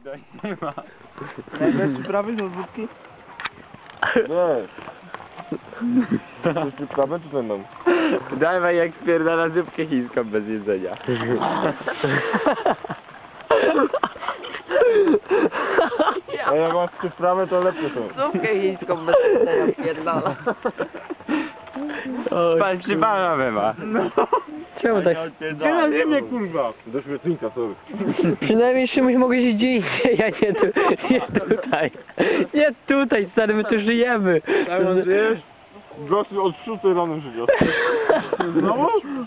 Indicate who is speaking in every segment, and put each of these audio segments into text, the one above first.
Speaker 1: Nie ma. Najlepszy prawy z wódki?
Speaker 2: Nie. Chcesz przyprawę czy ten dam?
Speaker 1: Dawaj jak spierdala zupkę chińską bez jedzenia.
Speaker 2: A jak masz przyprawę to lepsze są.
Speaker 3: Zupkę chińską bez jedzenia pierdala.
Speaker 1: Pan przypana bywa.
Speaker 3: Czemu tak?
Speaker 2: Gdzie na ziemię kurwa? Do śmietnika sorry.
Speaker 3: Przynajmniej Szymuś mogłeś iść gdzie indziej, a nie, nie tutaj. Nie tutaj, stary, my tu żyjemy.
Speaker 2: Tam żyjesz? Gościu od 6 rano życia. Znowu?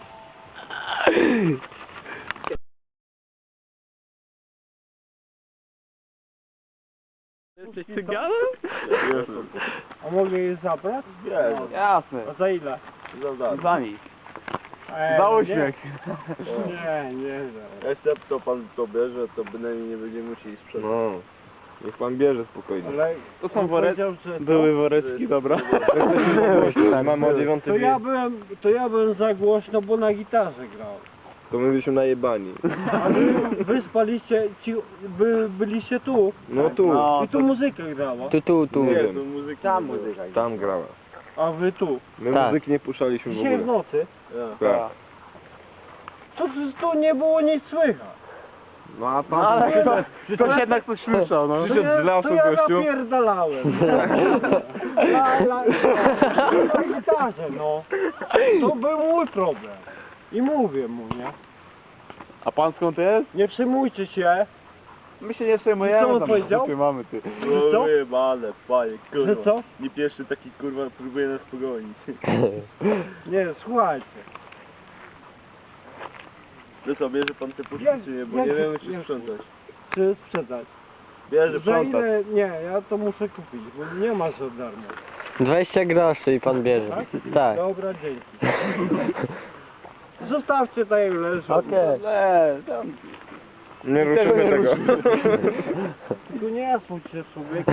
Speaker 3: Jesteś cyganem?
Speaker 2: Jestem.
Speaker 4: A mogę je zabrać?
Speaker 2: Jest.
Speaker 1: Jasne.
Speaker 4: A za ile?
Speaker 1: Za nic.
Speaker 4: Za
Speaker 1: uśmiech.
Speaker 4: Nie.
Speaker 2: Jeszcze to pan to bierze, to bynajmniej nie będziemy musieli sprzedać. No. Niech pan bierze spokojnie.
Speaker 4: Ale
Speaker 1: To są
Speaker 4: on
Speaker 1: woreczki.
Speaker 4: powiedział, że to-
Speaker 1: Były woreczki, dobra.
Speaker 2: Mamy o 9
Speaker 4: To ja byłem za głośno, bo na gitarze grał.
Speaker 2: To my byliśmy najebani.
Speaker 4: A wy spaliście, byliście tu.
Speaker 2: No tu.
Speaker 1: No.
Speaker 4: I tu muzyka grała.
Speaker 3: Tu.
Speaker 2: Nie
Speaker 3: Nie.
Speaker 2: wiem.
Speaker 1: Tam muzyka.
Speaker 2: Tam grała.
Speaker 4: A wy tu.
Speaker 2: My
Speaker 3: Tak.
Speaker 2: muzyki nie puszczaliśmy w
Speaker 4: Dzisiaj w
Speaker 2: ogóle.
Speaker 4: nocy.
Speaker 2: Tak.
Speaker 4: To tu nie było nic słychać.
Speaker 2: No a pan
Speaker 1: Ale to jednak coś słyszał, no.
Speaker 2: Przyszedł z lasu
Speaker 4: to ja
Speaker 2: gościu.
Speaker 4: napierdalałem. Na gitarze, no. To był mój problem. I mówię mu, nie?
Speaker 1: A pan skąd jest?
Speaker 4: Nie przejmujcie się,
Speaker 1: My się nie przejmujemy.
Speaker 4: Co on
Speaker 1: tam
Speaker 4: powiedział?
Speaker 1: ty mamy, ty.
Speaker 4: Co?
Speaker 2: Wyjebane, panie,
Speaker 4: że co?
Speaker 2: Nie pierwszy taki kurwa próbuje nas pogonić.
Speaker 4: Nie, słuchajcie.
Speaker 2: No co, bierze pan te puszki
Speaker 4: Jak-
Speaker 2: czy nie? Bo
Speaker 4: jak-
Speaker 2: nie wiemy czy
Speaker 4: jak-
Speaker 2: sprzątać.
Speaker 4: Czy sprzedać?
Speaker 2: Bierze
Speaker 4: Za
Speaker 2: pan
Speaker 4: ile? Nie, ja to muszę kupić, bo nie ma za darmo.
Speaker 3: 20 groszy i pan bierze.
Speaker 4: Tak?
Speaker 3: Tak.
Speaker 4: Dobra, dzięki. Zostawcie tak jak leży.
Speaker 3: Okej.
Speaker 1: Tam.
Speaker 2: Nie ruszymy tego.
Speaker 4: Tylko nie smuć się człowieku.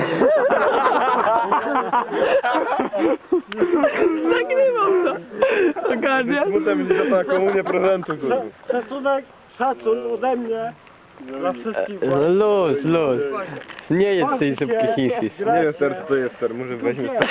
Speaker 3: Nagrywam to. Ogarnia?
Speaker 2: Smutem będzie za taką unię prezentu kurwa.
Speaker 4: Szacun ode mnie dla wszystkich.
Speaker 3: No luz. Nie jest tej zupki chińskiej.
Speaker 2: Nie wiem ser, co to jest ser, może weźmy ser.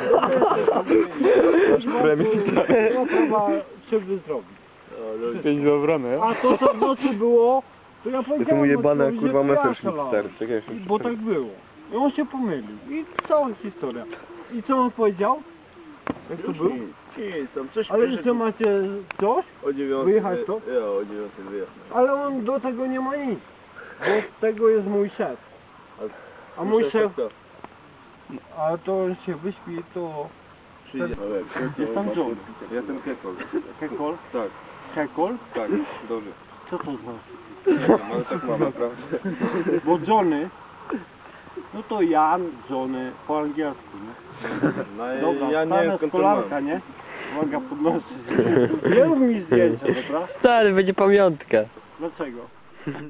Speaker 2: Masz premię.
Speaker 4: To trzeba krzywdy zrobić.
Speaker 1: 5 do obrony,
Speaker 4: A to co w nocy było, to ja powiedziałem...
Speaker 2: To mu jebane
Speaker 4: Maćkowi,
Speaker 2: kurwa
Speaker 4: że to ja
Speaker 2: Messerschmitt
Speaker 4: szalałem.
Speaker 2: ser. Czekaj, jeszcze
Speaker 4: Bo tak było. I on się pomylił. I cała historia. I co on powiedział? Jak to był?
Speaker 2: tam coś
Speaker 4: Ale jeszcze macie coś?
Speaker 2: o 9.
Speaker 4: Wyjechać to?
Speaker 2: Ja o 9 wyjechać.
Speaker 4: Ale on do tego nie ma nic. Bo od tego jest mój szef. A mój szef... A to on się wyśpi, to...
Speaker 2: Przyjdzie.
Speaker 4: Jest tam John.
Speaker 2: Jestem Kekol.
Speaker 4: Kekol?
Speaker 2: Tak,
Speaker 4: Kekol?
Speaker 2: tak, dobrze.
Speaker 4: Co to znaczy?
Speaker 2: Ale tak mam naprawdę.
Speaker 4: Bo Johnny... No to Jan, Johnny, po angielsku, nie?
Speaker 2: No
Speaker 4: Dobra,
Speaker 2: ja nie
Speaker 4: stanę
Speaker 2: wiem
Speaker 4: z
Speaker 2: skąd to
Speaker 4: kolanka,
Speaker 2: mam.
Speaker 4: nie? Uwaga, podnoszę. Nie rób mi zdjęcia, dobra?
Speaker 3: Stary, będzie pamiątka.
Speaker 4: Dlaczego?